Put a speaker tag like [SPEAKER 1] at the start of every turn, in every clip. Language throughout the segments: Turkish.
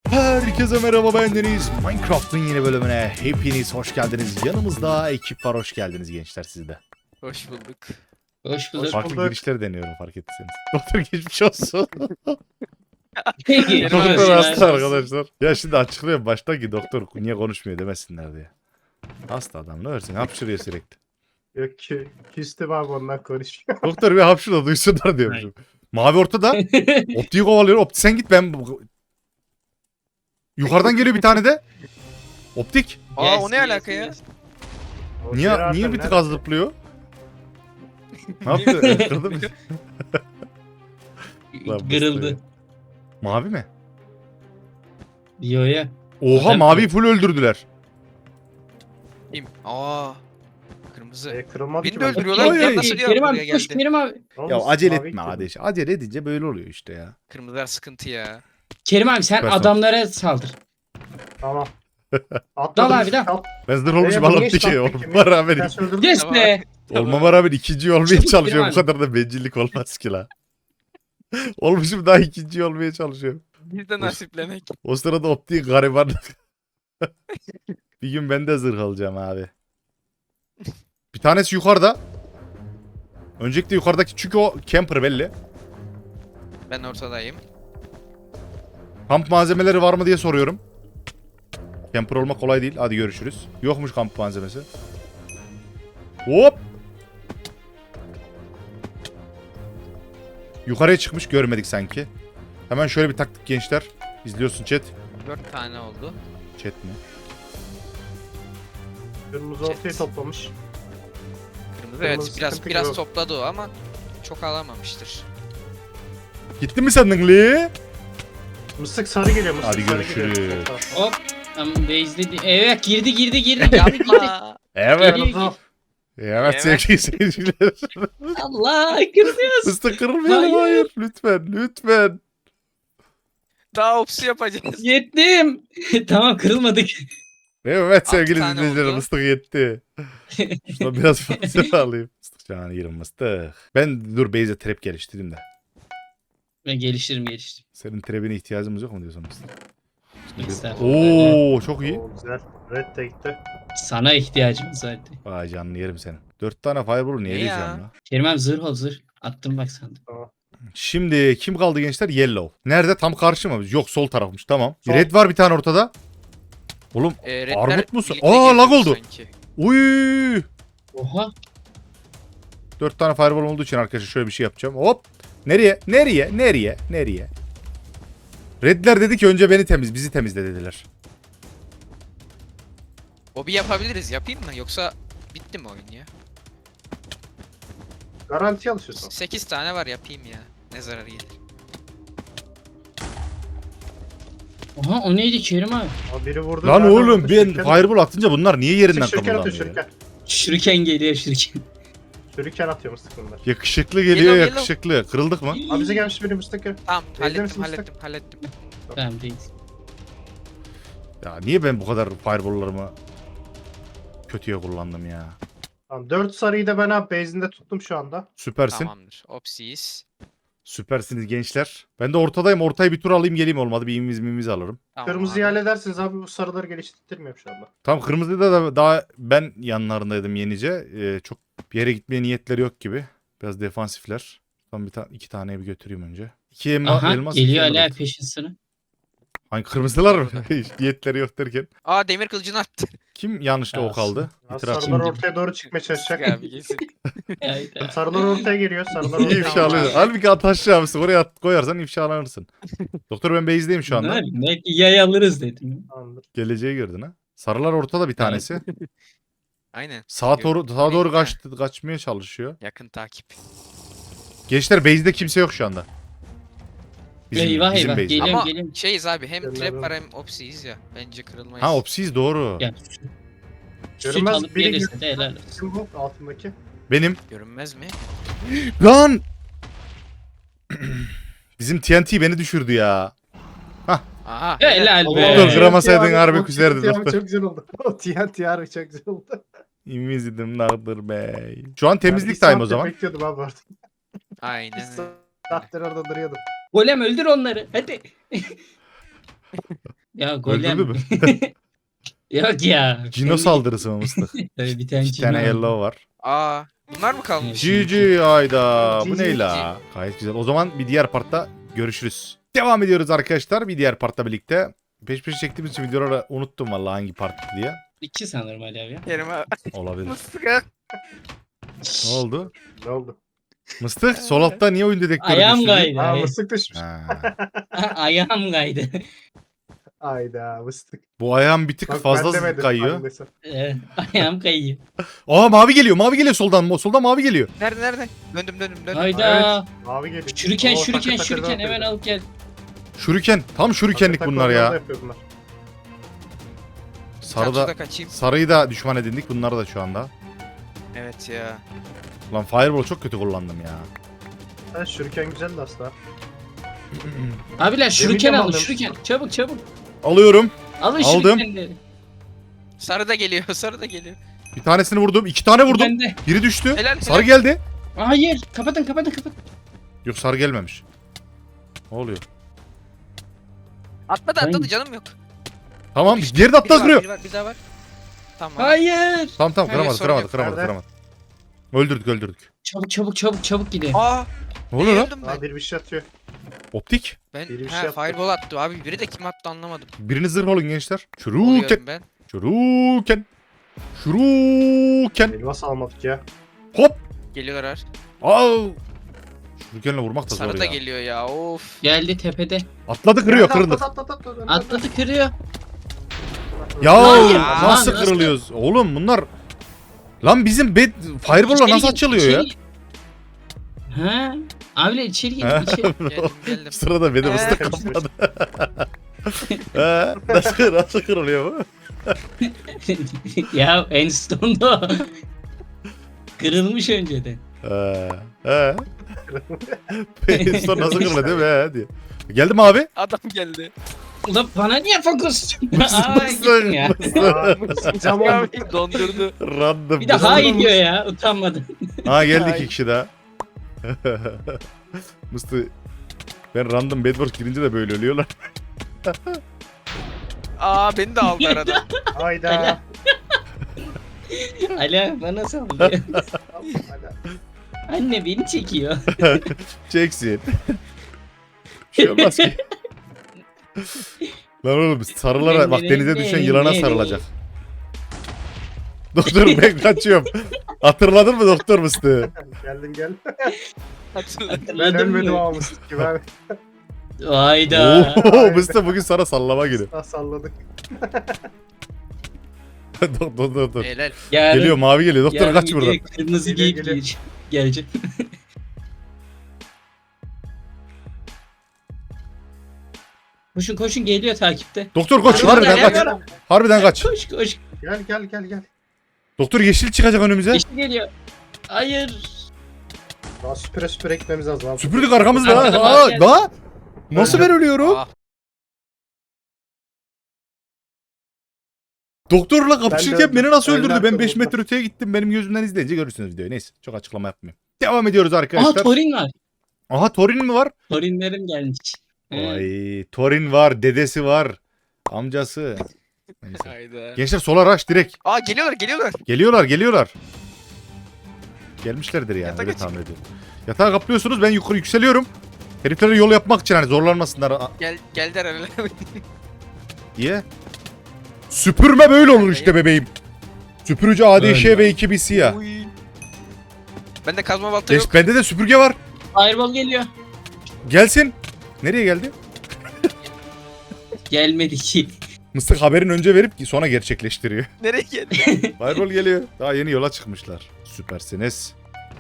[SPEAKER 1] Herkese merhaba, ben Deniz. Minecraft'ın yeni bölümüne hepiniz hoş geldiniz. Yanımızda ekip var, hoş geldiniz gençler siz de.
[SPEAKER 2] Hoş bulduk.
[SPEAKER 3] Hoş bulduk.
[SPEAKER 1] Farklı girişler deniyorum fark ettiyseniz. Doktor geçmiş olsun.
[SPEAKER 2] Kerim abi,
[SPEAKER 1] Doktor hasta
[SPEAKER 2] geçmiş olsun.
[SPEAKER 1] arkadaşlar. Ya şimdi açıklıyorum başta ki doktor niye konuşmuyor demesinler diye. Hasta adam ne versin hapşırıyor sürekli.
[SPEAKER 4] Yok ki küstüm abi ondan konuşuyor.
[SPEAKER 1] Doktor bir hapşır da duysunlar diyormuşum. Mavi ortada. Optiği kovalıyor. Opti sen git ben... Yukarıdan geliyor bir tane de. Optik.
[SPEAKER 2] Aa o ne alaka ya?
[SPEAKER 1] Niye bir tık az zıplıyor? Ne yaptı? Kırdı mı? Lan bu
[SPEAKER 3] Kırıldı.
[SPEAKER 1] işte. Mavi mi?
[SPEAKER 3] Yo ya.
[SPEAKER 1] Oha
[SPEAKER 3] Zaten-
[SPEAKER 1] mavi full öldürdüler.
[SPEAKER 2] Kim? Aa. Kırmızı.
[SPEAKER 4] Kırılmadı
[SPEAKER 2] Beni
[SPEAKER 4] ki
[SPEAKER 2] de
[SPEAKER 4] ben.
[SPEAKER 2] öldürüyorlar.
[SPEAKER 1] Ay, ay,
[SPEAKER 2] Ya nasıl diyor
[SPEAKER 3] Kerim
[SPEAKER 2] buraya
[SPEAKER 3] abi koş
[SPEAKER 2] geldi?
[SPEAKER 3] Kerim abi.
[SPEAKER 4] Oğlum,
[SPEAKER 1] Ya acele
[SPEAKER 4] mavi
[SPEAKER 1] etme
[SPEAKER 4] kırmızı.
[SPEAKER 1] kardeş. Acele edince böyle oluyor işte ya.
[SPEAKER 2] Kırmızılar sıkıntı ya.
[SPEAKER 3] Kerim abi sen
[SPEAKER 1] Süpersin.
[SPEAKER 3] adamlara saldır.
[SPEAKER 4] Tamam.
[SPEAKER 3] Dal abi, dal.
[SPEAKER 1] Ben zırh olmuşum
[SPEAKER 4] bunu
[SPEAKER 1] alıp
[SPEAKER 4] geç
[SPEAKER 1] dikey
[SPEAKER 4] lan,
[SPEAKER 1] olmama
[SPEAKER 4] peki.
[SPEAKER 1] rağmen,
[SPEAKER 4] Sen öldürdün.
[SPEAKER 3] Yes
[SPEAKER 2] Tamam.
[SPEAKER 3] be.
[SPEAKER 1] olmama rağmen ikinci olmaya
[SPEAKER 3] Çabuk
[SPEAKER 1] çalışıyorum. Bu
[SPEAKER 3] Kemal.
[SPEAKER 1] kadar da bencillik olmaz ki la. Olmuşum daha ikinci olmaya çalışıyorum.
[SPEAKER 2] Biz de nasiplenek.
[SPEAKER 1] O sırada optiğin gariban. Bir gün ben de zırh alacağım abi. Bir tanesi yukarıda. Öncelikle yukarıdaki çünkü o camper belli.
[SPEAKER 2] Ben ortadayım.
[SPEAKER 1] Kamp malzemeleri var mı diye soruyorum. Camper olmak kolay değil. Hadi görüşürüz. Yokmuş kamp malzemesi. Hop. Yukarıya çıkmış görmedik sanki. Hemen şöyle bir taktik gençler. İzliyorsun chat.
[SPEAKER 2] 4 tane oldu.
[SPEAKER 1] Chat mi?
[SPEAKER 4] Kırmızı ortaya toplamış.
[SPEAKER 2] Kırmızı evet
[SPEAKER 4] Kırmızı
[SPEAKER 2] biraz
[SPEAKER 4] sıkıntı yok.
[SPEAKER 2] topladı o ama çok alamamıştır.
[SPEAKER 1] Gitti mi sandın Lee?
[SPEAKER 4] Mısık sarı geliyor mısık
[SPEAKER 1] Hadi
[SPEAKER 4] sarı
[SPEAKER 1] görüşürüz.
[SPEAKER 4] geliyor.
[SPEAKER 3] Hop. Tamam base'ledi. Evet girdi.
[SPEAKER 2] Yapma.
[SPEAKER 1] Evet.
[SPEAKER 4] Kırmızı.
[SPEAKER 1] Evet
[SPEAKER 2] Evet.
[SPEAKER 1] sevgili seyirciler.
[SPEAKER 3] Allah kırıyoruz.
[SPEAKER 1] Fıstık kırılmayalım
[SPEAKER 3] Hayır.
[SPEAKER 1] hayır. Lütfen.
[SPEAKER 2] Daha opsi yapacağız.
[SPEAKER 3] Yettim. Tamam kırılmadık.
[SPEAKER 1] Evet sevgili
[SPEAKER 2] tane
[SPEAKER 1] izleyiciler
[SPEAKER 2] oldu.
[SPEAKER 1] mıstık yetti. Şuna biraz fazla alayım. Mıstık canı yerim mıstık. Ben dur base'e trap geliştireyim de.
[SPEAKER 3] Ben geliştiririm.
[SPEAKER 1] Senin trap'ine ihtiyacımız yok mu diyorsun mıstık?
[SPEAKER 3] Estağfurullah.
[SPEAKER 1] Oo çok iyi.
[SPEAKER 4] Oo, güzel. Red de gitti.
[SPEAKER 3] Sana ihtiyacımız vardı.
[SPEAKER 1] Vay canını yerim senin. 4 tane fireball niye
[SPEAKER 2] Ne
[SPEAKER 1] diyeceğim
[SPEAKER 2] ya?
[SPEAKER 1] ya?
[SPEAKER 3] Kerim abi zırh ol zırh. Attım bak sandım.
[SPEAKER 1] Şimdi kim kaldı gençler? Yellow. Nerede? Tam karşı mı? Yok sol tarafmış tamam.
[SPEAKER 4] Sol.
[SPEAKER 1] Red var bir tane ortada. Oğlum
[SPEAKER 2] Redler
[SPEAKER 1] Armut musun?
[SPEAKER 2] birlikte
[SPEAKER 1] Aa, lag
[SPEAKER 2] geliyor
[SPEAKER 1] oldu.
[SPEAKER 2] sanki.
[SPEAKER 1] uy.
[SPEAKER 3] Oha.
[SPEAKER 1] 4 tane fireball olduğu için arkadaşlar şöyle bir şey yapacağım. Hop. Nereye? Redler dedi ki önce bizi temizle dediler.
[SPEAKER 2] O bir yapabiliriz. Yapayım mı? Yoksa bitti mi oyun ya?
[SPEAKER 4] Garanti alışıyorsun.
[SPEAKER 2] 8 tane var yapayım ya. Ne zararı gelir.
[SPEAKER 3] Oha o neydi Kerim abi?
[SPEAKER 4] Ama biri vurdu.
[SPEAKER 1] Lan
[SPEAKER 4] zaten
[SPEAKER 1] oğlum
[SPEAKER 4] orada
[SPEAKER 1] ben
[SPEAKER 4] şuriken-
[SPEAKER 1] fireball atınca bunlar niye yerinden
[SPEAKER 4] Şuriken atıyor
[SPEAKER 1] kımıldamıyor?
[SPEAKER 4] şuriken.
[SPEAKER 3] Şuriken geliyor şuriken.
[SPEAKER 4] Şuriken atıyor mısık bunlar.
[SPEAKER 1] Yakışıklı geliyor
[SPEAKER 2] Yellow,
[SPEAKER 1] yakışıklı. Kırıldık mı?
[SPEAKER 4] Abi bize gelmiş biri mıstık ya.
[SPEAKER 2] Tamam
[SPEAKER 4] Evde misin
[SPEAKER 2] hallettim.
[SPEAKER 3] Tamam değil.
[SPEAKER 1] Ya niye ben bu kadar fireball'larımı kötüye kullandım ya?
[SPEAKER 4] Tamam 4 sarıyı da ben abi base'inde tuttum şu anda.
[SPEAKER 1] Süpersin.
[SPEAKER 2] Tamamdır. Opsiyiz.
[SPEAKER 1] Süpersiniz gençler. Ben de ortadayım. Ortayı bir tur alayım geleyim olmadı. Bir imiz alırım.
[SPEAKER 2] Tamam
[SPEAKER 4] Kırmızıyı
[SPEAKER 2] abi.
[SPEAKER 4] halledersiniz abi bu sarıları geliştirmiyorum şu anda.
[SPEAKER 1] Tam kırmızıda da daha ben yanlarındaydım yenice. Çok bir yere gitmeye niyetleri yok gibi. Biraz defansifler. Tam iki taneye bir götüreyim önce. İki
[SPEAKER 3] Aha
[SPEAKER 1] elmas.
[SPEAKER 3] geliyor
[SPEAKER 1] iki
[SPEAKER 3] hala
[SPEAKER 1] emerald.
[SPEAKER 3] peşin sıra.
[SPEAKER 1] Hangi kırmızılar mı? Hiç niyetleri yok derken.
[SPEAKER 2] Aa demir kılıcını attı.
[SPEAKER 1] Kim yanlışta ok aldı?
[SPEAKER 4] Ya
[SPEAKER 1] İtiraf.
[SPEAKER 4] sarılar
[SPEAKER 3] Şimdi-
[SPEAKER 4] ortaya doğru çıkmaya çalışacak.
[SPEAKER 2] Abi kesin.
[SPEAKER 3] Hayda.
[SPEAKER 4] Sarılar ortaya geliyor. Sarılar
[SPEAKER 1] İyi
[SPEAKER 4] ortaya
[SPEAKER 1] ifşalıyor.
[SPEAKER 2] abi.
[SPEAKER 1] Halbuki at aşağısı oraya koyarsan ifşalanırsın. Doktor ben base'deyim şu anda.
[SPEAKER 3] Ne yapayım? Belki yay alırız dedim.
[SPEAKER 4] Tamamdır.
[SPEAKER 1] Geleceği gördün ha. Sarılar ortada bir tanesi.
[SPEAKER 2] Aynen.
[SPEAKER 1] Sağa doğru
[SPEAKER 2] Bekle.
[SPEAKER 1] kaçmaya çalışıyor.
[SPEAKER 2] Yakın takip.
[SPEAKER 1] Gençler base'de kimse yok şu anda.
[SPEAKER 3] Eyvah, eyvah.
[SPEAKER 1] base'de.
[SPEAKER 3] Geliyorum,
[SPEAKER 2] Ama
[SPEAKER 3] geliyorum.
[SPEAKER 2] şeyiz abi hem
[SPEAKER 4] Gel
[SPEAKER 2] trap
[SPEAKER 4] abi.
[SPEAKER 2] var hem opsiyiz ya. Bence kırılmayız.
[SPEAKER 1] Ha opsiz doğru.
[SPEAKER 3] Ya, süt
[SPEAKER 4] Görünmez
[SPEAKER 3] alıp
[SPEAKER 4] biri
[SPEAKER 3] gelirse de helal olsun.
[SPEAKER 4] Kim bu altındaki?
[SPEAKER 1] Benim.
[SPEAKER 2] Görünmez mi?
[SPEAKER 1] Lan! Bizim TNT beni düşürdü ya.
[SPEAKER 2] Aha.
[SPEAKER 3] Helal
[SPEAKER 1] Doktor
[SPEAKER 3] be.
[SPEAKER 1] kıramasaydın harbi küserdi
[SPEAKER 4] TNT
[SPEAKER 1] doktor.
[SPEAKER 4] çok güzel oldu. O TNT harbi çok güzel oldu.
[SPEAKER 1] İmizdim Nadir Bey. Şu an temizlik
[SPEAKER 4] Ben bir
[SPEAKER 1] time o
[SPEAKER 4] saattir
[SPEAKER 1] zaman.
[SPEAKER 4] bekliyordum abi orada.
[SPEAKER 2] Aynen.
[SPEAKER 4] Bir saattir orada duruyordum.
[SPEAKER 3] Golem öldür onları. Hadi. Ya golem.
[SPEAKER 1] Öldürdü mü?
[SPEAKER 3] Yok ya.
[SPEAKER 1] Cino saldırısı mı mıstık?
[SPEAKER 3] Tabii bir tane
[SPEAKER 1] İki
[SPEAKER 3] Cino
[SPEAKER 1] tane
[SPEAKER 3] aldım.
[SPEAKER 1] yellow var.
[SPEAKER 2] Aa, bunlar mı kalmış?
[SPEAKER 1] GG ayda. Bu
[SPEAKER 4] GG.
[SPEAKER 1] ne la? Gayet güzel. O zaman bir diğer partta görüşürüz. Devam ediyoruz arkadaşlar. Bir diğer partta birlikte. Peş peşe çektiğimiz için videoları unuttum vallahi hangi part diye.
[SPEAKER 3] 2 sanırım Ali abi ya.
[SPEAKER 2] Kerim abi.
[SPEAKER 1] Olabilir.
[SPEAKER 2] Mıstık ha.
[SPEAKER 1] Ne oldu?
[SPEAKER 4] Ne oldu?
[SPEAKER 1] Mıstık sol altta niye oyun dedektörü
[SPEAKER 3] Ayağım
[SPEAKER 1] düştü?
[SPEAKER 3] kaydı.
[SPEAKER 4] Aa mıstık düşmüş.
[SPEAKER 1] Ha.
[SPEAKER 3] Ayağım kaydı.
[SPEAKER 4] Ayda mıstık.
[SPEAKER 1] Bu ayağım bir tık
[SPEAKER 4] Bak,
[SPEAKER 1] fazla
[SPEAKER 4] ben demedim,
[SPEAKER 1] kayıyor.
[SPEAKER 4] annesi.
[SPEAKER 3] Ayağım kayıyor.
[SPEAKER 1] Aa mavi geliyor. Mavi geliyor soldan. Soldan mavi geliyor.
[SPEAKER 2] Nerede? Döndüm.
[SPEAKER 3] Hayda.
[SPEAKER 4] Mavi geliyor.
[SPEAKER 3] Şuriken
[SPEAKER 4] Oo,
[SPEAKER 3] şuriken
[SPEAKER 4] takır takır
[SPEAKER 3] şuriken
[SPEAKER 4] yapıyor.
[SPEAKER 3] hemen alıp gel.
[SPEAKER 1] Şuriken. Tam şurikenlik
[SPEAKER 4] Takır
[SPEAKER 1] bunlar
[SPEAKER 4] takır
[SPEAKER 1] ya.
[SPEAKER 4] yapıyor bunlar.
[SPEAKER 1] Sarıda,
[SPEAKER 2] kaçayım.
[SPEAKER 1] sarıyı da düşman edindik. Bunlar da şu anda.
[SPEAKER 2] Evet ya.
[SPEAKER 1] Lan Fireball çok kötü kullandım ya.
[SPEAKER 4] Ha, şuriken güzeldi aslında.
[SPEAKER 3] Abiler şuriken
[SPEAKER 4] Demin de
[SPEAKER 3] alın
[SPEAKER 4] aldım.
[SPEAKER 3] şuriken. Çabuk çabuk.
[SPEAKER 1] Alıyorum.
[SPEAKER 3] Alın
[SPEAKER 1] Aldım.
[SPEAKER 3] şurikenleri.
[SPEAKER 2] Sarı da geliyor. Sarı da geliyor.
[SPEAKER 1] Bir tanesini vurdum. 2 tane vurdum.
[SPEAKER 3] Bende.
[SPEAKER 1] Biri düştü.
[SPEAKER 2] Helal,
[SPEAKER 1] Sarı
[SPEAKER 2] helal.
[SPEAKER 1] geldi.
[SPEAKER 3] Hayır. Kapatın.
[SPEAKER 1] Yok sarı gelmemiş. Ne oluyor?
[SPEAKER 2] Atladı canım yok.
[SPEAKER 1] Tamam. Geride atla
[SPEAKER 2] Biri var,
[SPEAKER 1] kırıyor.
[SPEAKER 2] biri var, bir daha var. Tamam.
[SPEAKER 3] Hayır.
[SPEAKER 1] Tamam
[SPEAKER 2] Hayır,
[SPEAKER 1] kıramadı
[SPEAKER 2] sorun yok.
[SPEAKER 1] kıramadı. Öldürdük.
[SPEAKER 3] Çabuk gidin.
[SPEAKER 2] Aa,
[SPEAKER 1] Ne oluyor lan?
[SPEAKER 2] öldüm ben.
[SPEAKER 4] Aa bir şey atıyor.
[SPEAKER 1] Optik.
[SPEAKER 2] Ben
[SPEAKER 4] Biri bir şey yaptı.
[SPEAKER 2] fireball attı abi. Biri de kim attı anlamadım.
[SPEAKER 1] Biriniz zırh olun gençler. Şuruken.
[SPEAKER 2] Oluyorum ben.
[SPEAKER 1] Şuruken.
[SPEAKER 4] Elmas almadık ya.
[SPEAKER 1] Hop.
[SPEAKER 2] Geliyorlar her.
[SPEAKER 1] Au. Şurukenle vurmak da zor
[SPEAKER 2] Sarı da
[SPEAKER 1] ya.
[SPEAKER 2] geliyor ya. Of.
[SPEAKER 3] Geldi tepede.
[SPEAKER 1] Atladı kırıyor kırıldı.
[SPEAKER 3] Atladı kırıyor.
[SPEAKER 1] Ya
[SPEAKER 3] Hayır.
[SPEAKER 1] nasıl
[SPEAKER 3] Lan,
[SPEAKER 1] kırılıyoruz? Oğlum bunlar Lan bizim Fireball'la
[SPEAKER 3] İçeri
[SPEAKER 1] nasıl
[SPEAKER 3] gir,
[SPEAKER 1] açılıyor ya?
[SPEAKER 3] içeri gir. Ha? Abiler içeri gir.
[SPEAKER 1] Ha?
[SPEAKER 3] içeri.
[SPEAKER 2] Geldim.
[SPEAKER 1] Sırada beni ıslık
[SPEAKER 4] Karıştır.
[SPEAKER 1] kapladı. Nasıl kırılıyor bu?
[SPEAKER 3] Ya Enstone'da o. Kırılmış önceden.
[SPEAKER 1] He. Son nasıl kırılıyor değil mi? He diye. Geldi mi abi?
[SPEAKER 2] Adam geldi.
[SPEAKER 3] Ulan bana niye fokus?
[SPEAKER 1] Mısır,
[SPEAKER 3] Aa gittim ya.
[SPEAKER 4] Cam oldu.
[SPEAKER 2] Abi dondurdu.
[SPEAKER 1] Random.
[SPEAKER 3] Bir de hayır diyor ya utanmadan.
[SPEAKER 1] Ha geldi
[SPEAKER 2] Hay.
[SPEAKER 1] iki kişi daha. Mıstı. Ben random Bedwars girince de böyle ölüyorlar.
[SPEAKER 2] Aa beni de aldı arada.
[SPEAKER 4] Hayda.
[SPEAKER 3] Ala bana sallıyor. Anne beni çekiyor.
[SPEAKER 1] Çeksin. Bir şey olmaz ki. Lan oğlum sarılara bak denize düşen yılana sarılacak. Doktor ben kaçıyorum. Hatırladın mı doktor Mıstı?
[SPEAKER 4] Geldim gel.
[SPEAKER 2] Hatırladım.
[SPEAKER 3] Hatırladın
[SPEAKER 4] Dönmedim
[SPEAKER 3] mı?
[SPEAKER 4] ama mıstık gibi abi.
[SPEAKER 3] Hayda.
[SPEAKER 1] Oo Mıstı bugün sana sallama günü.
[SPEAKER 4] Ah, salladık.
[SPEAKER 1] Dur.
[SPEAKER 2] Helal.
[SPEAKER 3] Yarın,
[SPEAKER 1] Geliyor mavi geliyor. Doktor
[SPEAKER 3] yarın
[SPEAKER 1] kaç buradan.
[SPEAKER 3] gece Kırmızı
[SPEAKER 4] Geliyor,
[SPEAKER 3] giyip
[SPEAKER 4] geliyor.
[SPEAKER 3] gelecek. Koşun geliyor takipte.
[SPEAKER 1] Doktor koş
[SPEAKER 3] Harbiden
[SPEAKER 1] harbiden
[SPEAKER 3] ya,
[SPEAKER 1] kaç.
[SPEAKER 3] ya.
[SPEAKER 1] Harbiden kaç.
[SPEAKER 3] Koş.
[SPEAKER 4] Gel.
[SPEAKER 1] Doktor yeşil çıkacak önümüze.
[SPEAKER 3] Yeşil geliyor. Hayır.
[SPEAKER 4] Daha süpüre gitmemiz lazım abi.
[SPEAKER 1] Süpürdük arkamızda.
[SPEAKER 3] Arkadan
[SPEAKER 1] Aa,
[SPEAKER 3] geldi.
[SPEAKER 1] daha. Nasıl ben ölüyorum?
[SPEAKER 2] Ah,
[SPEAKER 1] Doktorla
[SPEAKER 4] Ben de
[SPEAKER 1] kapışırken
[SPEAKER 4] öldüm.
[SPEAKER 1] beni nasıl
[SPEAKER 4] Ben
[SPEAKER 1] öldürdü?
[SPEAKER 4] de
[SPEAKER 1] Ben 5
[SPEAKER 4] öldüm.
[SPEAKER 1] metre öteye gittim. Benim gözümden izleyince görürsünüz videoyu. Neyse çok açıklama yapmayayım. Devam ediyoruz
[SPEAKER 3] Aha
[SPEAKER 1] arkadaşlar.
[SPEAKER 3] Torin var.
[SPEAKER 1] Aha Torin mi var?
[SPEAKER 3] Torinlerim gelmiş. He.
[SPEAKER 1] Ay Torin var, dedesi var, amcası. Neyse.
[SPEAKER 2] hayda.
[SPEAKER 1] Gençler sola rush direkt.
[SPEAKER 2] Aa geliyorlar.
[SPEAKER 1] Geliyorlar. Gelmişlerdir yani
[SPEAKER 2] Yatak
[SPEAKER 1] öyle
[SPEAKER 2] açık.
[SPEAKER 1] tahmin ediyorum. Yatağa kaplıyorsunuz ben yukarı yükseliyorum. Heriflere yol yapmak için hani zorlanmasınlar
[SPEAKER 2] Geldiler herhalde.
[SPEAKER 1] diye. Süpürme böyle olur işte bebeğim. Süpürücü ADŞ
[SPEAKER 3] Öyle.
[SPEAKER 1] ve 2 BC ya.
[SPEAKER 2] Uy. Bende kazma balta yok.
[SPEAKER 1] Bende de süpürge var.
[SPEAKER 3] Fireball geliyor.
[SPEAKER 1] Gelsin. Nereye geldi?
[SPEAKER 3] Gelmedi ki.
[SPEAKER 1] Mıstık haberin önce verip sonra gerçekleştiriyor.
[SPEAKER 2] Nereye geldi?
[SPEAKER 1] Fireball geliyor. Daha yeni yola çıkmışlar. Süpersiniz.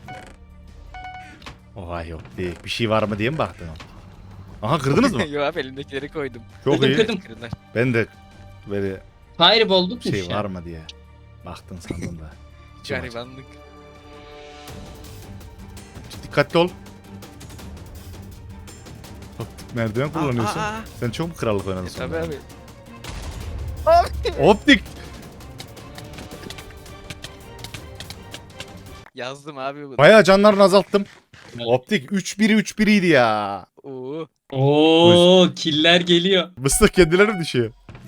[SPEAKER 1] Oha yok değil. Bir şey var mı diye mi baktın? Aha kırdınız mı?
[SPEAKER 2] Yok abi elimdekileri koydum.
[SPEAKER 1] Çok iyi.
[SPEAKER 3] Kırdım.
[SPEAKER 2] Kırdılar.
[SPEAKER 1] Ben de böyle
[SPEAKER 3] Fireball
[SPEAKER 1] bir şey
[SPEAKER 3] tutmuş ya.
[SPEAKER 1] var mı diye baktın sandım da. İçim acıdı.
[SPEAKER 2] Garibanlık.
[SPEAKER 1] Dikkatli ol. Optik merdiven kullanıyorsun.
[SPEAKER 2] Aa.
[SPEAKER 1] Sen çok mu krallık oynadın sonra?
[SPEAKER 2] Tabii abi.
[SPEAKER 1] Optik.
[SPEAKER 2] Yazdım abi bunu.
[SPEAKER 1] Bayağı canlarını azalttım.
[SPEAKER 3] Evet.
[SPEAKER 1] Optik 3-1'i 3-1'iydi ya.
[SPEAKER 2] Oo.
[SPEAKER 3] Oo killer geliyor.
[SPEAKER 1] Mıstık kendileri mi düşüyor?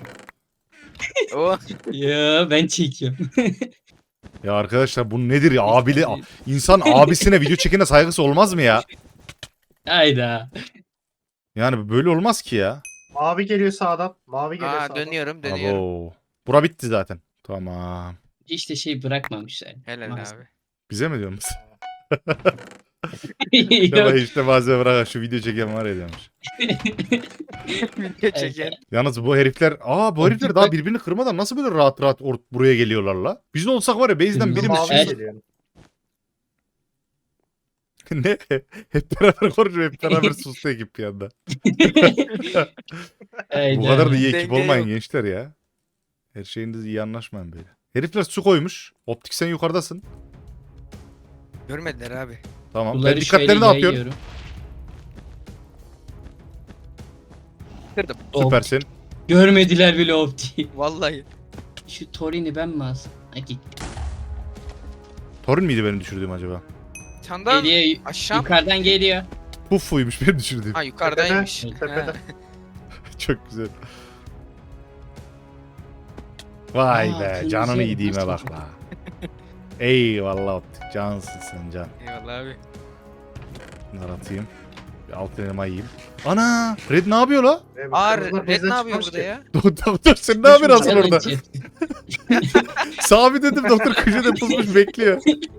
[SPEAKER 2] O
[SPEAKER 3] Ya ben çekiyorum.
[SPEAKER 1] Ya arkadaşlar bu nedir ya? İnsan abisine video çekene saygısı olmaz mı ya?
[SPEAKER 3] Hayda.
[SPEAKER 1] Yani böyle olmaz ki ya.
[SPEAKER 4] Mavi geliyor sağdan. Mavi geliyor
[SPEAKER 2] Aa,
[SPEAKER 4] sağdan.
[SPEAKER 2] dönüyorum.
[SPEAKER 1] Abo. Bura bitti zaten. Tamam.
[SPEAKER 3] İşte şey bırakmamışlar.
[SPEAKER 2] Helal
[SPEAKER 3] Maalesef.
[SPEAKER 2] abi.
[SPEAKER 1] Bize mi diyorsunuz? Ya
[SPEAKER 3] Yok.
[SPEAKER 1] işte malzeme bırak şu video çeken var ya demiş.
[SPEAKER 2] Video çeken.
[SPEAKER 1] Yalnız bu herifler bu herifler daha birbirini kırmadan nasıl böyle rahat rahat buraya geliyorlar la? Biz ne olsak var ya base'den birimiz
[SPEAKER 4] Mavi
[SPEAKER 3] Evet.
[SPEAKER 4] geliyor.
[SPEAKER 1] ne? Hep beraber konuşuyor, hep beraber sustu ekip bir anda. Bu kadar da iyi ekip
[SPEAKER 2] Denge
[SPEAKER 1] olmayın
[SPEAKER 2] yok.
[SPEAKER 1] gençler ya. Her şeyiniz iyi anlaşmayın böyle. Herifler su koymuş. Optik sen yukarıdasın.
[SPEAKER 2] Görmediler abi.
[SPEAKER 1] Tamam.
[SPEAKER 3] Bunları
[SPEAKER 1] Ben dikkatlerini
[SPEAKER 3] şöyle
[SPEAKER 1] dağıtıyorum.
[SPEAKER 3] yayıyorum.
[SPEAKER 2] Kırdım.
[SPEAKER 1] Süpersin.
[SPEAKER 3] Görmediler bile optiği.
[SPEAKER 2] Vallahi.
[SPEAKER 3] Şu Torin'i ben mi alsam? Ha git.
[SPEAKER 1] Torun muydu benim düşürdüğüm acaba?
[SPEAKER 2] Çandan
[SPEAKER 3] Geliyor.
[SPEAKER 2] aşağı.
[SPEAKER 3] Yukarıdan geliyor.
[SPEAKER 1] Puffuymuş benim düşürdüğüm.
[SPEAKER 2] Ha yukarıdaymış.
[SPEAKER 4] Tepede.
[SPEAKER 2] Ha.
[SPEAKER 1] Çok güzel. Vay
[SPEAKER 3] Aa,
[SPEAKER 1] be
[SPEAKER 3] kırmızı
[SPEAKER 1] canını
[SPEAKER 3] yerim,
[SPEAKER 1] yediğime
[SPEAKER 3] nasıl
[SPEAKER 1] bak la. Eyvallah optik cansın sen can.
[SPEAKER 2] Eyvallah abi.
[SPEAKER 1] Bunları atayım. Bir alt elime yiyeyim. Ana Red ne yapıyor la?
[SPEAKER 2] Aa
[SPEAKER 4] Kırmızılar
[SPEAKER 2] Red
[SPEAKER 4] base'den
[SPEAKER 2] ne yapıyor
[SPEAKER 4] çıkmamış
[SPEAKER 2] burada
[SPEAKER 4] ki.
[SPEAKER 2] ya?
[SPEAKER 1] Doktor sen ne yapıyorsun asıl
[SPEAKER 3] Canın
[SPEAKER 1] orada?
[SPEAKER 3] içi.
[SPEAKER 1] Sabit dedim doktor köşede pusmuş bekliyor.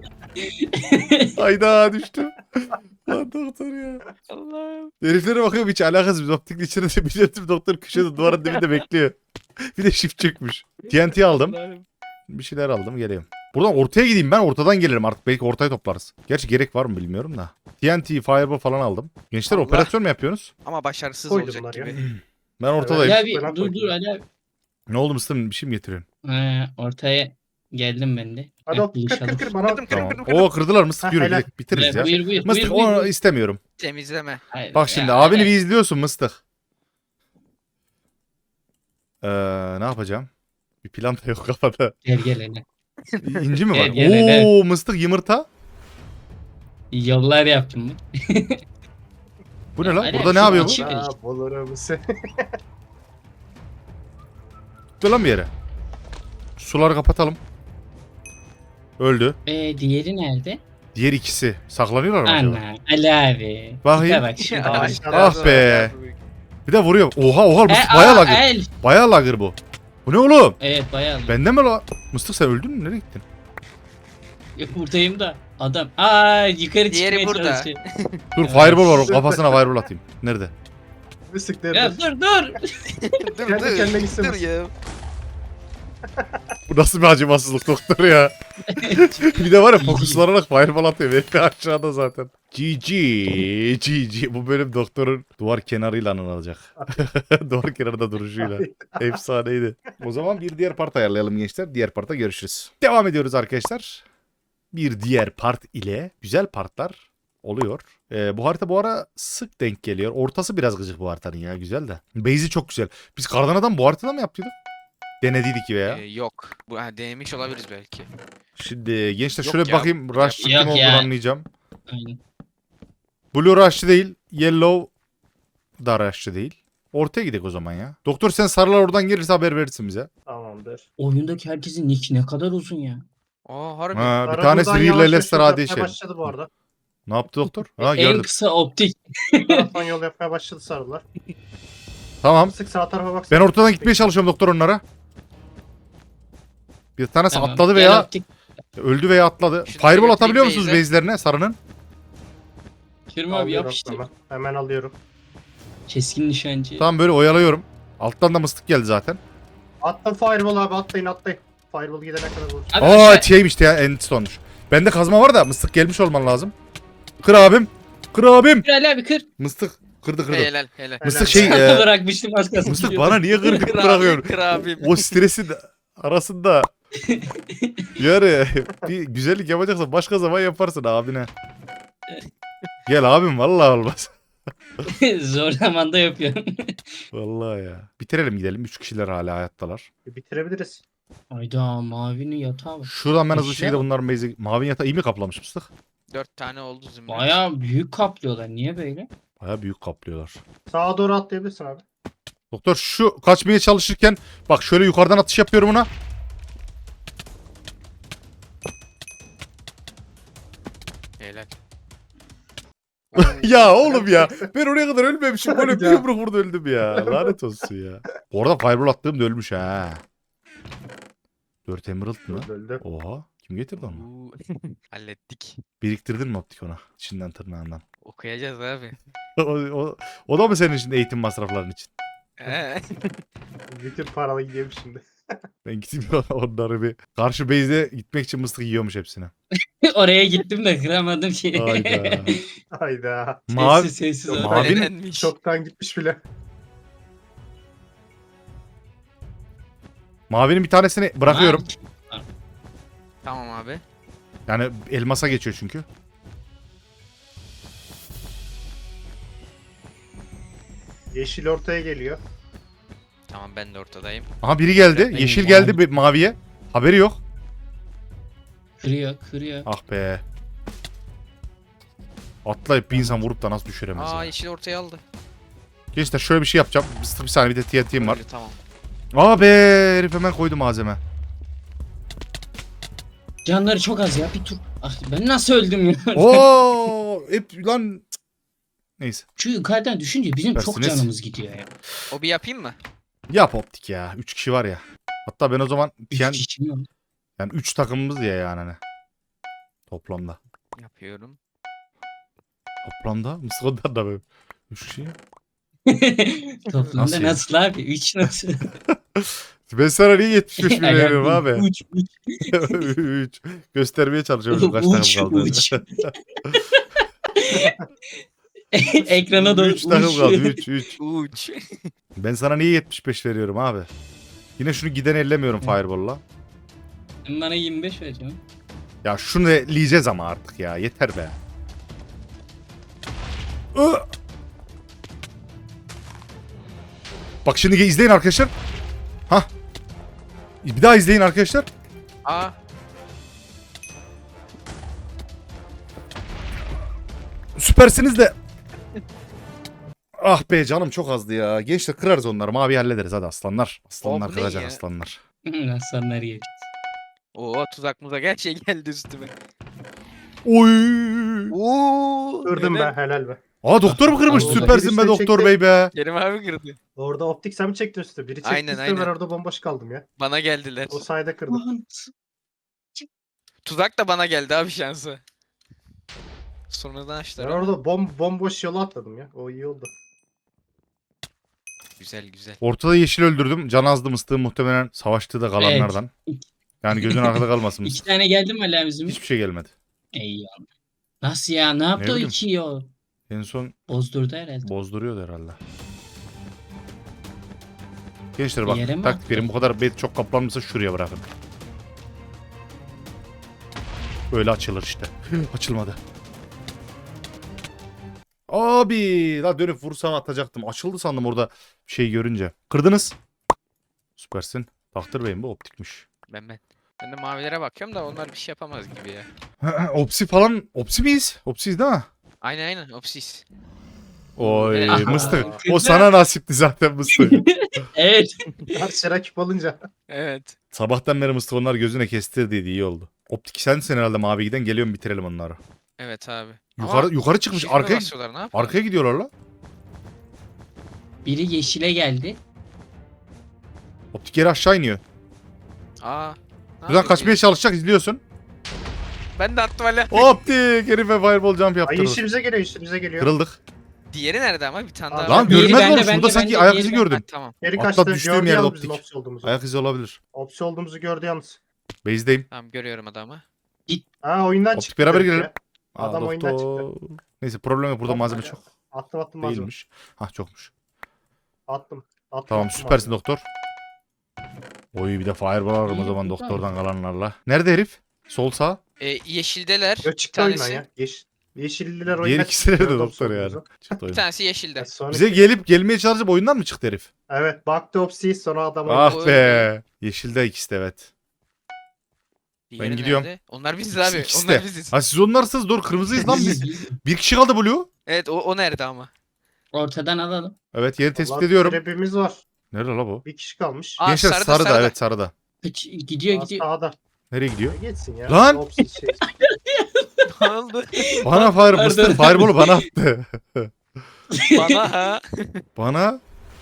[SPEAKER 1] Hayda düştüm. Lan doktor ya.
[SPEAKER 2] Allah'ım.
[SPEAKER 1] Heriflere bakıyorum hiç alakasız. Biz optikle içeride biliyorum doktor köşede duvarın dibinde bekliyor. Bir de shift çökmüş. TNT aldım.
[SPEAKER 2] Allah'ım.
[SPEAKER 1] Bir şeyler aldım geliyorum. Buradan ortaya gideyim ben ortadan gelirim artık belki ortayı toplarız. Gerçi gerek var mı bilmiyorum da. TNT, Fireball falan aldım. Gençler
[SPEAKER 2] Allah.
[SPEAKER 1] operasyon mu yapıyorsunuz?
[SPEAKER 2] Ama başarısız
[SPEAKER 4] Koydum bunlar
[SPEAKER 2] olacak
[SPEAKER 4] ya.
[SPEAKER 2] gibi.
[SPEAKER 1] Ben ortadayım.
[SPEAKER 3] Ali abi
[SPEAKER 4] Ben
[SPEAKER 3] dur
[SPEAKER 4] koydum.
[SPEAKER 3] Ali abi.
[SPEAKER 1] Ne oldu Mısır'ın bir şey mi getiriyorsun?
[SPEAKER 3] Ortaya geldim ben de.
[SPEAKER 4] Hadi
[SPEAKER 3] Heh,
[SPEAKER 4] o kır
[SPEAKER 3] buluşalım.
[SPEAKER 4] kır kır bana.
[SPEAKER 2] Kırdım
[SPEAKER 1] Tamam.
[SPEAKER 2] kırdım kırdım.
[SPEAKER 1] Oo kırdılar Mısır
[SPEAKER 4] Ha,
[SPEAKER 1] yürü
[SPEAKER 4] helal.
[SPEAKER 1] gidelim, bitiririz ya.
[SPEAKER 3] Buyur
[SPEAKER 1] Mıstık
[SPEAKER 3] buyur.
[SPEAKER 1] onu istemiyorum.
[SPEAKER 2] Temizleme.
[SPEAKER 3] Hayır,
[SPEAKER 1] Bak şimdi
[SPEAKER 3] ya,
[SPEAKER 1] abini
[SPEAKER 3] evet.
[SPEAKER 1] bir izliyorsun Mıstık. Ne yapacağım? Bir plan da yok kafada.
[SPEAKER 3] Gel gel hele.
[SPEAKER 1] İnci mi var?
[SPEAKER 3] Gel, gel,
[SPEAKER 1] Oo Mıstık yumurta.
[SPEAKER 3] Yollar yaptım mı?
[SPEAKER 1] Bu ne
[SPEAKER 3] Ya,
[SPEAKER 1] lan?
[SPEAKER 3] Ali
[SPEAKER 1] Burada
[SPEAKER 3] abi,
[SPEAKER 1] ne
[SPEAKER 3] şu
[SPEAKER 1] yapıyor bu?
[SPEAKER 3] açı-
[SPEAKER 4] Aa, bulurum seni.
[SPEAKER 1] Dur lan bir yere. Suları kapatalım. Öldü.
[SPEAKER 3] Diğeri nerede?
[SPEAKER 1] Diğer ikisi saklanıyorlar mı acaba?
[SPEAKER 3] Ana Ali abi.
[SPEAKER 1] Bakayım.
[SPEAKER 3] Tipe bak şurada.
[SPEAKER 4] Ay,
[SPEAKER 1] Ah be. Bir de vuruyor. Oha Mıstık bayağı lagır.
[SPEAKER 3] El.
[SPEAKER 1] Bayağı lagır bu. Bu ne oğlum?
[SPEAKER 3] Evet bayağı.
[SPEAKER 1] Bende mi la? Mıstık sen öldün mü? Nereye gittin?
[SPEAKER 3] Buradayım da. Adam. Yukarı
[SPEAKER 2] Diğeri
[SPEAKER 3] çıkmaya
[SPEAKER 2] burada.
[SPEAKER 3] çalışıyor.
[SPEAKER 1] Dur fireball var. Kafasına fireball atayım. Nerede?
[SPEAKER 4] Bir sık
[SPEAKER 3] Ya dur dur.
[SPEAKER 2] Dur
[SPEAKER 4] Kendi kendine
[SPEAKER 2] dur.
[SPEAKER 4] gitsin.
[SPEAKER 2] Dur ya.
[SPEAKER 1] Bu nasıl bir acımasızlık doktor ya? Bir de var ya fokuslanarak fireball atıyor. Belki aşağıda zaten. GG. GG. Bu bölüm doktorun duvar kenarıyla anılacak. Duvar kenarında duruşuyla. Efsaneydi. O zaman bir diğer part ayarlayalım gençler. Diğer parta görüşürüz. Devam ediyoruz arkadaşlar. Bir diğer part ile güzel partlar oluyor. Bu harita bu ara sık denk geliyor. Ortası biraz gıcık bu haritanın ya. Güzel de. Base'i çok güzel. Biz Kardana'dan bu haritada mı yaptıydık? Denediydik ya.
[SPEAKER 2] Yok. Bu denemiş olabiliriz belki.
[SPEAKER 1] Şimdi gençler
[SPEAKER 2] Yok
[SPEAKER 1] şöyle bir
[SPEAKER 2] ya.
[SPEAKER 1] bakayım. Rush kim
[SPEAKER 3] Yok
[SPEAKER 1] olduğunu
[SPEAKER 3] ya.
[SPEAKER 1] anlayacağım.
[SPEAKER 3] Aynen.
[SPEAKER 1] Blue Rush'lı değil. Yellow da Rush'lı değil. Ortaya gidelim o zaman ya. Doktor sen sarılar oradan gelirse haber verirsin bize.
[SPEAKER 4] Tamamdır.
[SPEAKER 3] Oyundaki herkesin nick ne kadar uzun ya.
[SPEAKER 2] Aa harbi.
[SPEAKER 1] Ha, bir
[SPEAKER 4] Ara
[SPEAKER 1] tanesi
[SPEAKER 4] buradan
[SPEAKER 1] Real
[SPEAKER 4] yavaş
[SPEAKER 1] Leicester
[SPEAKER 4] yavaş
[SPEAKER 1] AD
[SPEAKER 4] yapmaya
[SPEAKER 1] şey.
[SPEAKER 4] başladı bu arada.
[SPEAKER 1] Ne yaptı doktor? Ha
[SPEAKER 3] En
[SPEAKER 1] gördüm.
[SPEAKER 3] kısa optik.
[SPEAKER 4] Bu taraftan yol yapmaya başladı sarılar.
[SPEAKER 1] Tamam.
[SPEAKER 4] Sık sağ tarafa bak.
[SPEAKER 1] Ben ortadan gitmeye çalışıyorum doktor onlara. Bir tanesi
[SPEAKER 3] Tamam,
[SPEAKER 1] atladı
[SPEAKER 3] gel
[SPEAKER 1] veya
[SPEAKER 3] optik.
[SPEAKER 1] öldü veya atladı.
[SPEAKER 2] Şunu
[SPEAKER 1] Fireball
[SPEAKER 2] götüreyim
[SPEAKER 1] atabiliyor musunuz
[SPEAKER 2] base'e.
[SPEAKER 1] base'lerine sarının?
[SPEAKER 3] Kerim abi
[SPEAKER 4] Alıyorum
[SPEAKER 3] yapıştır.
[SPEAKER 4] hemen alıyorum.
[SPEAKER 3] Keskin nişancı.
[SPEAKER 1] Tamam böyle oyalıyorum. Alttan da mıstık geldi zaten.
[SPEAKER 4] Attım fireball abi atlayın atlayın. Fireball gidene kadar vurur.
[SPEAKER 3] Abi
[SPEAKER 1] Aa
[SPEAKER 3] aşağı-
[SPEAKER 1] şeymiş ya endstone'muş. Bende kazma var da mıstık gelmiş olman lazım. Kır abim. Kır abim.
[SPEAKER 3] Kır Ali abi kır.
[SPEAKER 1] Mıstık kırdı kırdı.
[SPEAKER 2] Helal helal.
[SPEAKER 1] Mıstık
[SPEAKER 4] Helal.
[SPEAKER 1] şey
[SPEAKER 3] Bırakmıştım az kalsın.
[SPEAKER 1] mıstık bana niye kır kır
[SPEAKER 2] Kır abi,
[SPEAKER 1] bırakıyorsun?
[SPEAKER 2] kır abim.
[SPEAKER 1] O stresin arasında yani bir güzellik yapacaksan başka zaman yaparsın abine. Gel abim vallahi olmaz.
[SPEAKER 3] Zor zamanda yapıyorum.
[SPEAKER 1] Vallahi ya. Bitirelim gidelim. 3 kişiler hala hayattalar.
[SPEAKER 4] Bitirebiliriz.
[SPEAKER 3] Hayda mavinin yatağı var.
[SPEAKER 1] Şuradan ben hızlı
[SPEAKER 3] Eşya
[SPEAKER 1] şekilde
[SPEAKER 3] mı?
[SPEAKER 1] bunların base'i... Mavi yatağı iyi mi kaplamış mıstık?
[SPEAKER 2] 4 tane oldu zümrüt.
[SPEAKER 3] Baya büyük kaplıyorlar. Niye böyle?
[SPEAKER 1] Baya büyük kaplıyorlar.
[SPEAKER 4] Sağa doğru atlayabilirsin abi.
[SPEAKER 1] Doktor şu kaçmaya çalışırken bak şöyle yukarıdan atış yapıyorum ona.
[SPEAKER 2] Helal.
[SPEAKER 1] Ya oğlum ya. Ben oraya kadar ölmemişim. Böyle bir
[SPEAKER 4] Ya.
[SPEAKER 1] yumruk vurdu öldüm ya. Lanet olsun ya. Orada fireball attığım da ölmüş ha. 4 emerald mı?
[SPEAKER 4] Öldü.
[SPEAKER 1] Oha. Kim getirdi onu?
[SPEAKER 2] Oo. Hallettik.
[SPEAKER 1] Biriktirdin mi optik ona? İçinden tırnağından.
[SPEAKER 2] Okuyacağız abi.
[SPEAKER 1] O da mı senin için eğitim masrafların için?
[SPEAKER 4] Bütün paralı gidiyorum şimdi.
[SPEAKER 1] Ben gideyim onları bir. Karşı base'e gitmek için mıstık yiyormuş hepsini.
[SPEAKER 3] Oraya gittim de kıramadım şeyi.
[SPEAKER 1] Hayda.
[SPEAKER 4] Hayda.
[SPEAKER 1] Mavi,
[SPEAKER 3] Sessiz
[SPEAKER 4] Yok,
[SPEAKER 3] oraya.
[SPEAKER 1] Mavinin-
[SPEAKER 2] Elenmiş.
[SPEAKER 4] Çoktan gitmiş bile.
[SPEAKER 1] mavinin bir tanesini bırakıyorum.
[SPEAKER 2] Tamam abi.
[SPEAKER 1] Yani elmasa geçiyor çünkü.
[SPEAKER 4] Yeşil ortaya geliyor.
[SPEAKER 2] Tamam ben de ortadayım.
[SPEAKER 1] Aha biri geldi.
[SPEAKER 3] Ben
[SPEAKER 1] Yeşil
[SPEAKER 3] mavi.
[SPEAKER 1] geldi bir maviye. Haberi yok.
[SPEAKER 3] Kırıyor kırıyor.
[SPEAKER 1] Ah be. Atlayıp bir insan vurup da nasıl düşüremez
[SPEAKER 2] Aa
[SPEAKER 1] ya.
[SPEAKER 2] yeşil ortaya aldı.
[SPEAKER 1] Gençler şöyle bir şey yapacağım. Bir saniye bir de TNT'm var.
[SPEAKER 2] Öyle, tamam.
[SPEAKER 1] Aa be herif hemen koydu malzeme.
[SPEAKER 3] Canları çok az ya bir tur. Ah ben nasıl öldüm ya?
[SPEAKER 1] Oo hep lan. Cık. Neyse.
[SPEAKER 3] Şu yukarıdan düşünce bizim çok
[SPEAKER 1] Dersiniz.
[SPEAKER 3] canımız gidiyor ya.
[SPEAKER 2] O bir yapayım mı?
[SPEAKER 1] Yap optik ya. 3 kişi var ya. Hatta ben o zaman
[SPEAKER 3] Üç kişi mi?
[SPEAKER 1] yani 3 takımımız ya yani hani. Toplamda.
[SPEAKER 2] Yapıyorum.
[SPEAKER 1] Toplamda Mısır'dan da böyle. 3 kişi.
[SPEAKER 3] Toplamda
[SPEAKER 1] Nasıl ya?
[SPEAKER 3] nasıl abi? 3 nasıl?
[SPEAKER 1] Ben sana niye 75 bin veriyorum abi?
[SPEAKER 3] Uç,
[SPEAKER 1] 3. Göstermeye çalışıyorum kaç
[SPEAKER 3] Uç,
[SPEAKER 1] takım kaldı.
[SPEAKER 3] uç. Ekrana doğru
[SPEAKER 1] 3 takım
[SPEAKER 3] uç.
[SPEAKER 1] kaldı. 3.
[SPEAKER 2] Uç.
[SPEAKER 1] Ben sana niye 75 veriyorum abi? Yine şunu giden ellemiyorum Fireball'la.
[SPEAKER 3] Sen bana 25 vereceğim.
[SPEAKER 1] Ya şunu eleyeceğiz ama artık ya. Yeter be. Ih! Bak şimdi izleyin arkadaşlar. Hah. Bir daha izleyin arkadaşlar.
[SPEAKER 2] Aa.
[SPEAKER 1] Süpersiniz de. Ah be canım çok azdı ya. Gençler kırarız onları. Mavi hallederiz hadi aslanlar. Aslanlar
[SPEAKER 2] bu ne
[SPEAKER 1] kıracak
[SPEAKER 2] ya?
[SPEAKER 1] aslanlar.
[SPEAKER 3] Aslanlar yer.
[SPEAKER 2] Oo tuzak muzak her şey geldi üstüme.
[SPEAKER 1] Oy.
[SPEAKER 2] Oo.
[SPEAKER 4] Kırdım
[SPEAKER 2] helal.
[SPEAKER 4] be helal be.
[SPEAKER 1] Aa doktor mu kırmış?
[SPEAKER 3] Allah.
[SPEAKER 1] Süpersin be
[SPEAKER 4] Birisi
[SPEAKER 1] doktor
[SPEAKER 4] çekti.
[SPEAKER 1] bey be.
[SPEAKER 2] Kerim abi kırdı.
[SPEAKER 4] Orada optik sen mi çektin üstü? Biri çekti
[SPEAKER 2] Aynen,
[SPEAKER 4] üstü,
[SPEAKER 2] aynen.
[SPEAKER 4] ben orada bomboş kaldım ya.
[SPEAKER 2] Bana geldiler.
[SPEAKER 4] O sayede kırdım.
[SPEAKER 2] Tuzak da bana geldi abi şansı. Sonradan
[SPEAKER 4] Ben
[SPEAKER 2] açtılar ama.
[SPEAKER 4] orada bomboş yola atladım ya. O iyi oldu.
[SPEAKER 2] Güzel güzel.
[SPEAKER 1] Ortada yeşil öldürdüm. Can azdı mıstığım muhtemelen savaştığı da kalanlardan. Yani gözün arkada kalmasın.
[SPEAKER 3] 2 tane geldi mi Ali abicim?
[SPEAKER 1] Hiçbir şey gelmedi.
[SPEAKER 3] Eyvallah. Nasıl ya? Ne yaptı o
[SPEAKER 1] bileyim.
[SPEAKER 3] 2'yi o?
[SPEAKER 1] En son
[SPEAKER 3] Bozdurdu herhalde.
[SPEAKER 1] bozduruyordu herhalde. Gençler bak
[SPEAKER 3] Yere mi
[SPEAKER 1] taktik
[SPEAKER 3] attı?
[SPEAKER 1] verin bu kadar bet çok kaplanmışsa şuraya bırakın. Böyle açılır işte. Açılmadı. Abi la dönüp vursam atacaktım. Açıldı sandım orada şey görünce. Kırdınız. Süpersin. Tahtır Bey'im bu optikmiş.
[SPEAKER 2] Ben. Ben de mavilere bakıyorum da onlar bir şey yapamaz gibi ya.
[SPEAKER 1] Opsi falan. Opsi miyiz? Opsiyiz değil mi?
[SPEAKER 2] Aynen opsis.
[SPEAKER 1] Oy
[SPEAKER 2] Aha.
[SPEAKER 1] mıstık. O
[SPEAKER 3] Güzel.
[SPEAKER 1] sana nasipti zaten mıstık.
[SPEAKER 3] Evet.
[SPEAKER 4] Karşı rakip olunca.
[SPEAKER 2] Evet.
[SPEAKER 1] Sabahtan beri mıstık onlar gözüne kestirdiydi iyi oldu. Optik sensin herhalde mavi giden geliyorum bitirelim onları.
[SPEAKER 2] Evet abi.
[SPEAKER 1] Yukarı çıkmış
[SPEAKER 2] Shift'e
[SPEAKER 1] arkaya
[SPEAKER 2] basıyorlar, ne yapıyorlar?
[SPEAKER 1] arkaya gidiyorlar la.
[SPEAKER 3] Biri yeşile geldi.
[SPEAKER 1] Optik yeri aşağı iniyor.
[SPEAKER 2] Aa. ne
[SPEAKER 1] Buradan
[SPEAKER 2] yapıyor
[SPEAKER 1] kaçmaya
[SPEAKER 2] diye.
[SPEAKER 1] çalışacak izliyorsun.
[SPEAKER 2] Ben de attım hala.
[SPEAKER 1] Optik herife fireball jump
[SPEAKER 4] Ay
[SPEAKER 1] yaptırdı.
[SPEAKER 4] yeşilimize geliyor yeşilimize geliyor.
[SPEAKER 1] Kırıldık.
[SPEAKER 2] Diğeri nerede ama bir tane daha
[SPEAKER 4] Lan
[SPEAKER 2] var.
[SPEAKER 1] Lan
[SPEAKER 3] Diğeri
[SPEAKER 1] görmez
[SPEAKER 3] bende,
[SPEAKER 1] oğlum. Şurada
[SPEAKER 3] bende,
[SPEAKER 1] sanki
[SPEAKER 3] bende,
[SPEAKER 1] ayak
[SPEAKER 3] diğeri
[SPEAKER 1] izi
[SPEAKER 3] bende.
[SPEAKER 1] gördüm.
[SPEAKER 2] Ha, tamam.
[SPEAKER 4] Geri
[SPEAKER 1] Atla
[SPEAKER 4] kaçtı.
[SPEAKER 1] düştüğüm
[SPEAKER 4] Gördü
[SPEAKER 1] yerde
[SPEAKER 4] yalnız bizim
[SPEAKER 1] optik.
[SPEAKER 4] opsi olduğumuzu.
[SPEAKER 1] Ayak izi olabilir.
[SPEAKER 4] Opsi olduğumuzu gördü yalnız.
[SPEAKER 1] Base'deyim.
[SPEAKER 2] Tamam görüyorum adamı.
[SPEAKER 4] Ha oyundan
[SPEAKER 1] Optik
[SPEAKER 4] çıktı.
[SPEAKER 1] beraber
[SPEAKER 4] direkt
[SPEAKER 1] girelim.
[SPEAKER 4] ya.
[SPEAKER 1] Aa,
[SPEAKER 4] Adam oyundan
[SPEAKER 1] doktor. Neyse problem yok. Burada
[SPEAKER 4] Atma
[SPEAKER 1] malzeme
[SPEAKER 4] ya.
[SPEAKER 1] çok
[SPEAKER 4] Attım malzeme.
[SPEAKER 1] değilmiş. Hah çokmuş.
[SPEAKER 4] Attım.
[SPEAKER 1] Tamam
[SPEAKER 4] attım
[SPEAKER 1] süpersin
[SPEAKER 4] malzeme.
[SPEAKER 1] doktor. Oy bir de fireball alırım o
[SPEAKER 3] İyi,
[SPEAKER 1] zaman
[SPEAKER 3] güzel.
[SPEAKER 1] doktordan kalanlarla. Nerede herif? Sol sağ.
[SPEAKER 2] Yeşildeler.
[SPEAKER 4] Yo
[SPEAKER 2] Bir
[SPEAKER 4] çıktı oyundan
[SPEAKER 2] tanesi.
[SPEAKER 4] ya. Yeşilliler
[SPEAKER 1] Diğer
[SPEAKER 4] oyundan
[SPEAKER 1] ikisi nerede
[SPEAKER 4] Gördü
[SPEAKER 1] doktor
[SPEAKER 4] opsi
[SPEAKER 1] yani?
[SPEAKER 4] olduğumuzu.
[SPEAKER 1] Çıktı
[SPEAKER 2] Bir
[SPEAKER 1] oyun.
[SPEAKER 2] tanesi yeşilde.
[SPEAKER 4] Ya sonra-
[SPEAKER 1] Bize gelmeye çalışıp oyundan mı çıktı herif?
[SPEAKER 4] Evet baktı opsi sonra adam oyundan.
[SPEAKER 1] Ah be. Yeşilde ikisi de evet.
[SPEAKER 2] Diğeri
[SPEAKER 1] gidiyorum.
[SPEAKER 2] nerede? Onlar biziz
[SPEAKER 1] İkisi-
[SPEAKER 2] abi.
[SPEAKER 1] ikisi
[SPEAKER 2] Onlar
[SPEAKER 1] de.
[SPEAKER 2] biziz.
[SPEAKER 1] Ha siz onlarsınız doğru kırmızıyız lan biz. Bir kişi kaldı Blue.
[SPEAKER 2] Evet o nerede ama?
[SPEAKER 3] Ortadan alalım.
[SPEAKER 1] Evet yeri tespit
[SPEAKER 4] Vallahi
[SPEAKER 1] ediyorum.
[SPEAKER 4] Trap'imiz var.
[SPEAKER 1] Nerede la bu?
[SPEAKER 4] Bir kişi kalmış.
[SPEAKER 2] Aa,
[SPEAKER 1] Gençler
[SPEAKER 2] sarıda,
[SPEAKER 1] sarıda
[SPEAKER 2] sarıda.
[SPEAKER 1] evet sarıda.
[SPEAKER 3] Gidiyor
[SPEAKER 4] Aa,
[SPEAKER 3] gidiyor.
[SPEAKER 4] Sağda.
[SPEAKER 1] Nereye gidiyor?
[SPEAKER 4] Ya geçsin ya.
[SPEAKER 1] Lan!
[SPEAKER 4] Opsiz şey.
[SPEAKER 2] Ne oldu?
[SPEAKER 1] Bana fire
[SPEAKER 3] Pardon.
[SPEAKER 1] Mr. Fireball'u bana attı.
[SPEAKER 2] Bana ha.
[SPEAKER 1] Bana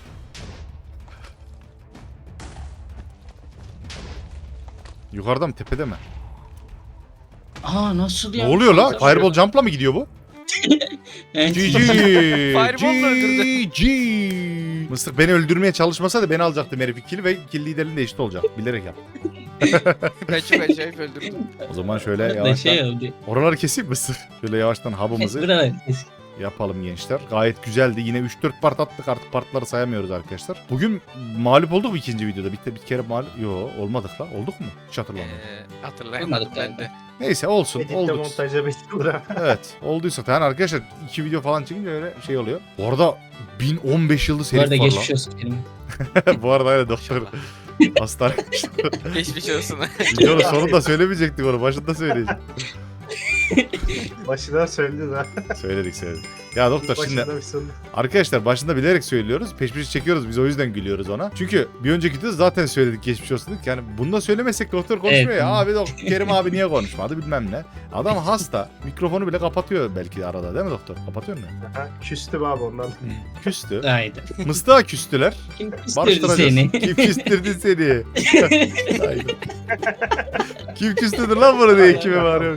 [SPEAKER 1] yukarıda mı tepede mi?
[SPEAKER 3] Aa nasıl ya?
[SPEAKER 1] Ne oluyor la?
[SPEAKER 3] Güzel.
[SPEAKER 1] Fireball jump'la mı gidiyor bu?
[SPEAKER 3] Evet.
[SPEAKER 1] GG.
[SPEAKER 2] Fireball'la öldürdü.
[SPEAKER 1] GG. Mısır beni öldürmeye çalışmasaydı beni alacaktım herif kill ve kill liderliğinde eşit olacak. Bilerek yap.
[SPEAKER 2] Ben çok acayip öldürdüm.
[SPEAKER 1] O zaman şöyle
[SPEAKER 3] Ne
[SPEAKER 1] yavaştan.
[SPEAKER 3] şey oldu.
[SPEAKER 1] Oraları keseyim Mısır. Şöyle yavaştan hub'ımızı
[SPEAKER 3] Buralar.
[SPEAKER 1] yapalım gençler. Gayet güzeldi. Yine 3-4 part attık artık partları sayamıyoruz arkadaşlar. Bugün mağlup olduk mu ikinci videoda? Bir kere mağlup... Yo olmadık la. Olduk mu? Hiç hatırlamıyorum.
[SPEAKER 2] Hatırlayamadım
[SPEAKER 3] Olmadık
[SPEAKER 2] ben de.
[SPEAKER 1] Neyse olsun.
[SPEAKER 4] Editte
[SPEAKER 1] Olduk.
[SPEAKER 4] montaja bekliyor ha.
[SPEAKER 1] Evet. Olduysa yani arkadaşlar 2 video falan çekince öyle şey oluyor. Bu arada 1015 yıldız
[SPEAKER 3] Bu
[SPEAKER 1] herif
[SPEAKER 3] arada
[SPEAKER 1] var
[SPEAKER 3] geçmiş olsun benim.
[SPEAKER 1] lan. Bu arada öyle doktor hastane.
[SPEAKER 2] Geçmiş olsun.
[SPEAKER 1] Videonun sonunda söylemeyecektik onu. Başında söyleyecektik.
[SPEAKER 4] Başından söyledi ha.
[SPEAKER 1] Söyledik. Ya doktor şimdi
[SPEAKER 4] Başında bir sonunda.
[SPEAKER 1] arkadaşlar başında bilerek söylüyoruz. Peş peşe çekiyoruz. Biz o yüzden gülüyoruz ona. Çünkü bir önceki videoda zaten söyledik geçmiş olsun dedik. Yani bunu da söylemesek doktor konuşmuyor
[SPEAKER 3] Evet.
[SPEAKER 1] ya. Abi Kerim abi niye konuşmadı bilmem ne. Adam hasta. Mikrofonu bile kapatıyor belki arada değil mi doktor? Kapatıyor mu?
[SPEAKER 4] Aha, küstüm abi ondan.
[SPEAKER 1] Küstü.
[SPEAKER 3] Haydi.
[SPEAKER 1] Mıstığa küstüler.
[SPEAKER 3] Kim küstürdü
[SPEAKER 1] Barıştıracağız.
[SPEAKER 3] seni?
[SPEAKER 1] Kim küstürdü seni? Aynen. Kim küstürdü lan bunu diye kime bağırıyorum.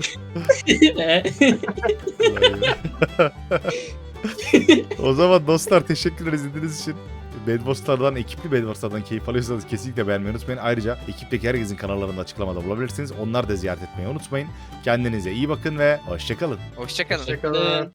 [SPEAKER 1] O zaman dostlar teşekkürler izlediğiniz için. Bedwars'lardan, ekipli Bedwars'lardan keyif alıyorsanız kesinlikle beğenmeyi unutmayın. Ayrıca ekipteki herkesin kanallarında açıklamada bulabilirsiniz. Onları da ziyaret etmeyi unutmayın. Kendinize iyi bakın ve hoşçakalın.
[SPEAKER 2] Hoşçakalın.
[SPEAKER 4] Hoşçakalın.